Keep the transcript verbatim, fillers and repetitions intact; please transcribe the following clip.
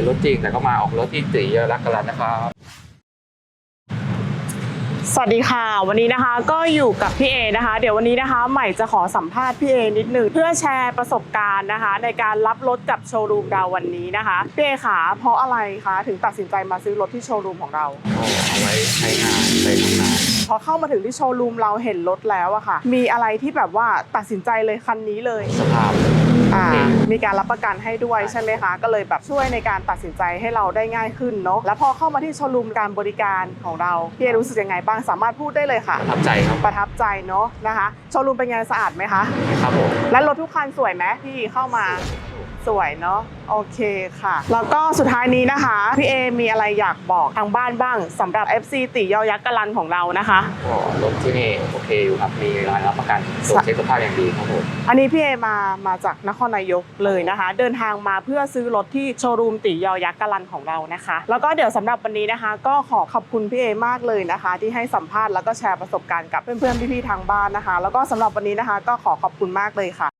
รถจริงแต่ก็มาออกรถที่ตีรักกันนะครับสวัสดีค่ะวันนี้นะคะก็อยู่กับพี่เอนะคะเดี๋ยววันนี้นะคะใหม่จะขอสัมภาษณ์พี่เอนิดนึงเพื่อแชร์ประสบการณ์นะคะในการรับรถกับโชว์รูมเราวันนี้นะคะพี่เอขาเพราะอะไรคะถึงตัดสินใจมาซื้อรถที่โชว์รูมของเราเอาไว้ใช้งานไปทำงานพอเข้ามาถึงที่โชว์รูมเราเห็นรถแล้วอะค่ะมีอะไรที่แบบว่าตัดสินใจเลยคันนี้เลยสภาพอ่ามีการรับประกันให้ด้วยใช่ไหมคะก็เลยแบบช่วยในการตัดสินใจให้เราได้ง่ายขึ้นเนาะแล้วพอเข้ามาที่โชว์รูมการบริการของเราพี่เอรู้สึกยังไงบ้างสามารถพูดได้เลยค่ะประทับใจครับประทับใจเนาะนะคะโชว์รูมเป็นไงสะอาดไหมคะครับผมและรถทุกคันสวยไหมที่เข้ามาสวยเนาะโอเคค่ะแล้วก็สุดท้ายนี้นะคะพี่เอมีอะไรอยากบอกทางบ้านบ้างสำหรับ เอฟ ซี ติยอยักษ์กะลันของเรานะคะก็รถที่นี่โอเคอยู่ครับมีรายรับประกันตรวจเช็คสภาพอย่างดีครับผมอันนี้พี่เอมามาจากนครนายกเลยนะคะ เดินทางมาเพื่อซื้อรถที่โชว์รูมติยอยักษ์กะลันของเรานะคะแล้วก็เดี๋ยวสำหรับวันนี้นะคะ ก็ขอขอบคุณพี่เอมากเลยนะคะ ที่ให้สัมภาษณ์แล้วก็แชร์ประสบการณ์กับเพื่อนๆพี่ๆทางบ้านนะคะ แล้วก็สำหรับวันนี้นะคะ ก็ขอขอบคุณมากเลยค่ะ